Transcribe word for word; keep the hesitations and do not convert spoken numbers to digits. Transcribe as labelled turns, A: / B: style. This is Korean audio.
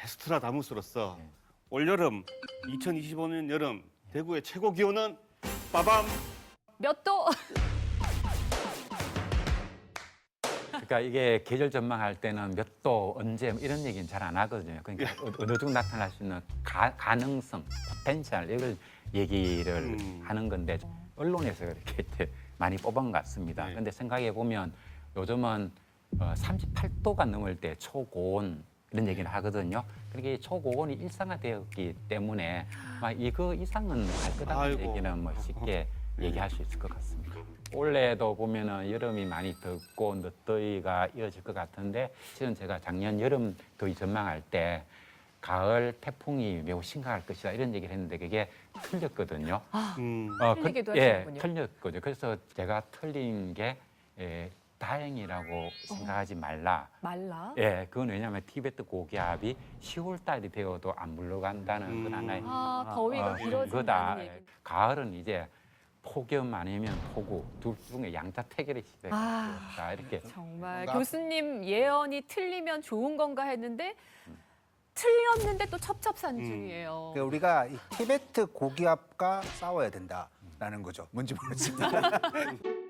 A: 헤스트라다무스로서 올여름 이천이십오 년 여름 대구의 최고 기온은 빠밤
B: 몇 도?
C: 그러니까 이게 계절 전망할 때는 몇 도, 언제 이런 얘기는 잘 안 하거든요. 그러니까 어느 정도 나타날 수 있는 가, 가능성, 포텐셜 이걸 얘기를
A: 음.
C: 하는 건데 언론에서 이렇게 많이 뽑은 것 같습니다.
A: 네.
C: 근데 생각해 보면 요즘은 어, 삼십팔 도가 넘을 때 초고온 이런 얘기를 하거든요. 그러니까 이 초고온이 일상화되었기 때문에 막 이거 이상은 할 거다는
A: 아이고.
C: 얘기는 뭐 쉽게 얘기할 수 있을 것 같습니다. 올해도 보면은 여름이 많이 덥고 늦더위가 이어질 것 같은데 실은 제가 작년 여름 더위 전망할 때 가을 태풍이 매우 심각할 것이다 이런 얘기를 했는데 그게 틀렸거든요.
A: 음.
C: 어,
B: 틀리기도
C: 예,
B: 하시는군요.
C: 틀렸거든요. 그래서 제가 틀린 게 예, 다행이라고 생각하지 말라.
B: 말라?
C: 예, 그건 왜냐하면 티베트 고기압이 시월 달이 되어도 안 물러간다는
A: 음.
C: 건 하나의
B: 아, 더위가
C: 어,
B: 길어진다는
C: 거다.
B: 얘기.
C: 가을은 이제 폭염 아니면 폭우 둘 중에 양자택일의 시대가
B: 아.
C: 되었다 이렇게.
B: 정말
D: 뭔가-
B: 교수님 예언이 틀리면 좋은 건가 했는데 틀렸는데 또 첩첩산중이에요.
D: 그러니까 우리가 이 티베트 고기압과 싸워야 된다라는 거죠. 뭔지 모르겠습니다.